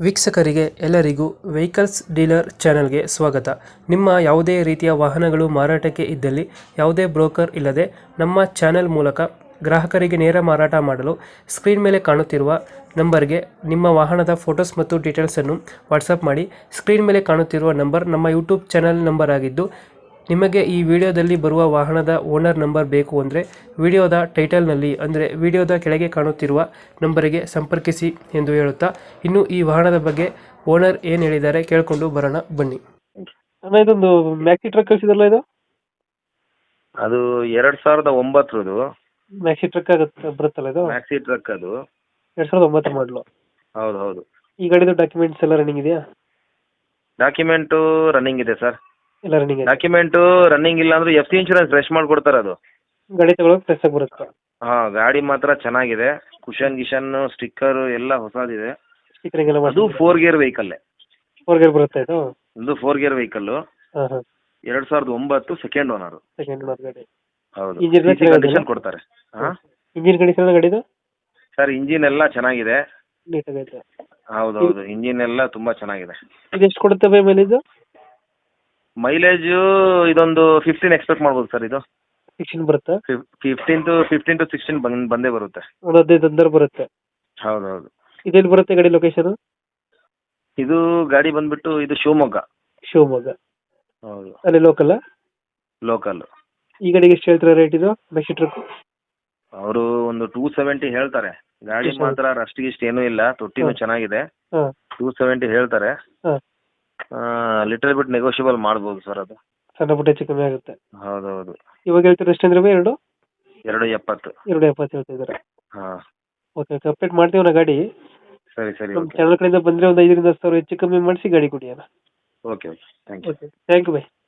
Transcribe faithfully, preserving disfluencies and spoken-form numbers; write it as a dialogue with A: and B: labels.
A: ವೀಕ್ಷಕರಿಗೆ ಎಲ್ಲರಿಗೂ vehicles dealer ಚಾನೆಲ್ಗೆ ಸ್ವಾಗತ. ನಿಮ್ಮ ಯಾವುದೇ ರೀತಿಯ ವಾಹನಗಳು ಮಾರಾಟಕ್ಕೆ ಇದ್ದಲ್ಲಿ ಯಾವುದೇ ಬ್ರೋಕರ್ ಇಲ್ಲದೆ ನಮ್ಮ ಚಾನೆಲ್ ಮೂಲಕ ಗ್ರಾಹಕರಿಗೆ ನೇರ ಮಾರಾಟ ಮಾಡಲು ಸ್ಕ್ರೀನ್ ಮೇಲೆ ಕಾಣುತ್ತಿರುವ ನಂಬರ್ಗೆ ನಿಮ್ಮ ವಾಹನದ ಫೋಟೋಸ್ ಮತ್ತು ಡೀಟೇಲ್ಸನ್ನು ವಾಟ್ಸಪ್ ಮಾಡಿ. ಸ್ಕ್ರೀನ್ ಮೇಲೆ ಕಾಣುತ್ತಿರುವ ನಂಬರ್ ನಮ್ಮ ಯೂಟ್ಯೂಬ್ ಚಾನೆಲ್ ನಂಬರ್ ಆಗಿದ್ದು, ನಿಮಗೆ ಈ ವಿಡಿಯೋದಲ್ಲಿ ಬರುವ ವಾಹನದ ಓನರ್ ನಂಬರ್ ಬೇಕು ಅಂದರೆ ವಿಡಿಯೋದ ಟೈಟಲ್ನಲ್ಲಿ ಅಂದರೆ ವಿಡಿಯೋದ ಕೆಳಗೆ ಕಾಣುತ್ತಿರುವ ನಂಬರಿಗೆ ಸಂಪರ್ಕಿಸಿ ಎಂದು ಹೇಳುತ್ತಾ, ಇನ್ನು ಈ ವಾಹನದ ಬಗ್ಗೆ ಓನರ್ ಏನು ಹೇಳಿದ್ದಾರೆ ಕೇಳಿಕೊಂಡು ಬರೋಣ ಬನ್ನಿ. ಅಣ್ಣ, ಇದೊಂದು ಮ್ಯಾಕ್ಸಿ ಟ್ರಕ್ ಕಳಿಸಿದ್ರಲ್ಲ, ಇದು
B: ಅದು ಎರಡ್ ಸಾವಿರದ ಒಂಬತ್ತರದು
A: ಮ್ಯಾಕ್ಸಿ ಟ್ರಕ್ ಆಗುತ್ತೆ ಬರುತ್ತಲ್ಲ, ಇದು
B: ಮ್ಯಾಕ್ಸಿ ಟ್ರಕ್. ಅದು
A: ಎರಡ್ ಸಾವಿರದ ಒಂಬತ್ತು ಮಾಡಲು.
B: ಹೌದು ಹೌದು.
A: ಈ ಗಾಡಿದು ಡಾಕ್ಯುಮೆಂಟ್ಸ್ ಎಲ್ಲ ರನ್ನಿಂಗ್ ಇದೆಯಾ?
B: ಡಾಕ್ಯುಮೆಂಟು ರನ್ನಿಂಗ್ ಇದೆ ಸರ್.
A: ಎಲ್ಲ ರನ್ನಿಂಗ್ ಇದೆ.
B: ಡಾಕ್ಯುಮೆಂಟು ರನ್ನಿಂಗ್ ಇಲ್ಲ ಅಂದ್ರೆ ಎಫ್ ಸಿ ಇನ್ಶೂರೆನ್ಸ್ ಫ್ರೆಶ್ ಮಾಡಿಕೊಡ್ತಾರೆ. ಅದು
A: ಗಾಡಿ ತಗೊಳಕ್ ಫ್ರೆಶ್ ಆಗಿ ಬರುತ್ತೆ.
B: ಹಾ, ಗಾಡಿ ಮಾತ್ರ ಚೆನ್ನಾಗಿದೆ. ಕುಶನ್ ಗಿಶನ್ ಸ್ಟಿಕ್ಕರ್ ಎಲ್ಲ ಹೊಸದಿದೆ.
A: ಸ್ಟಿಕರಿಂಗ್ ಎಲ್ಲ
B: ಅದು four gear vehicle.
A: Four gear ಬರುತ್ತೆ ಇದು.
B: ಇದು ಫೋರ್ ಗೇರ್ ವೆಹಿಕಲ್.
A: ಹಾ ಹಾ.
B: ಎರಡ್ ಸಾವಿರದ ಒಂಬತ್ತು ಸೆಕೆಂಡ್ ಓನರ್.
A: ಸೆಕೆಂಡ್ ಓನರ್ ಗಾಡಿ.
B: ಹೌದು.
A: ಇಂಜಿನ್
B: ಕಂಡೀಷನ್ ಕೊಡ್ತಾರೆ. ಹಾ,
A: ಇಂಜಿನ್ ಕಂಡೀಷನ್ ಗಾಡಿದು
B: ಸರ್ ಇಂಜಿನ್ ಎಲ್ಲ ಚೆನ್ನಾಗಿದೆ.
A: ನೀಟಾಗೈತೆ.
B: ಹೌದು ಹೌದು. ಇಂಜಿನ್ ಎಲ್ಲ ತುಂಬಾ ಚೆನ್ನಾಗಿದೆ.
A: ಇದು ಎಷ್ಟು ಕೊಡುತ್ತೆ ಬೈ ಮೈಲೇಜ್?
B: ಮೈಲೇಜ್ ಇದೊಂದು ಫಿಫ್ಟೀನ್ ಎಕ್ಸ್ಪೆಕ್ಟ್ ಮಾಡ್ಬೋದು ಸರ್. ಇದು
A: ಸಿಕ್ಸ್ಟೀನ್ ಬರುತ್ತೆ.
B: Fifteen to fifteen to sixteen ಬಂದ್ ಬಂದೇ ಬರುತ್ತೆ.
A: ಒಂದು ಹದಿನೈದು ಅಂದರ್ ಬರುತ್ತೆ.
B: ಹೌದು ಹೌದು.
A: ಇದೆಲ್ಲಿ ಬರುತ್ತೆ ಗಾಡಿ ಲೊಕೇಶನ್?
B: ಇದು ಗಾಡಿ ಬಂದ್ಬಿಟ್ಟು ಇದು ಶಿವಮೊಗ್ಗ.
A: ಶಿವಮೊಗ್ಗ.
B: ಹೌದು.
A: ಅಲ್ಲಿ ಲೋಕಲ್.
B: ಲೋಕಲ್.
A: ಈ ಗಾಡಿಗೆ ಎಷ್ಟು ಹೇಳ್ತಾರೆ ರೇಟ್ ಇದು ಮ್ಯಾಕ್ಸಿ ಟ್ರಕ್?
B: ಅವರು ಒಂದು ಟೂ ಸೆವೆಂಟಿ ಹೇಳ್ತಾರೆ. ಗಾಡಿ ಮಾತ್ರ ರಸ್ಟ್ ಗಿಸ್ಟ್ ಏನೂ ಇಲ್ಲ, ತೊಟ್ಟಿನೂ ಚೆನ್ನಾಗಿದೆ. ಟೂ ಸೆವೆಂಟಿ ಹೇಳ್ತಾರೆ. ಲಿಟಲ್ ಬಿಟ್ ನೆಗೋಷಿಯಬಲ್ ಮಾಡ್ಬೋದು ಸರ್. ಅದು
A: ಸಣ್ಣ ಪುಟ್ಟ ಹೆಚ್ಚು ಕಮ್ಮಿ ಆಗುತ್ತೆ.
B: ಹೌದೌದು.
A: ಇವಾಗ ಹೇಳ್ತಾರೆ ಎಷ್ಟು ಅಂದ್ರೆ ಎರಡು
B: ಎರಡು ಎಪ್ಪತ್ತು.
A: ಎರಡು ಎಪ್ಪತ್ತು ಹೇಳ್ತಿದ್ದಾರೆ.
B: ಹಾ,
A: ಓಕೆ ಓಕೆ. ಅಪ್ಡೇಟ್ ಮಾಡ್ತೀವಿ ನಾ ಗಾಡಿ.
B: ಸರಿ ಸರಿ.
A: ನಮ್ಮ ಚಾನಲ್ ಕಡೆಯಿಂದ ಬಂದರೆ ಒಂದು ಐದರಿಂದ ಹತ್ತು ಸಾವಿರ ಹೆಚ್ಚು ಕಮ್ಮಿ ಮಾಡಿಸಿ ಗಾಡಿ ಕೊಡಿ ಅಣ್ಣ.
B: Okay okay. Thank you.
A: Okay, thank you by.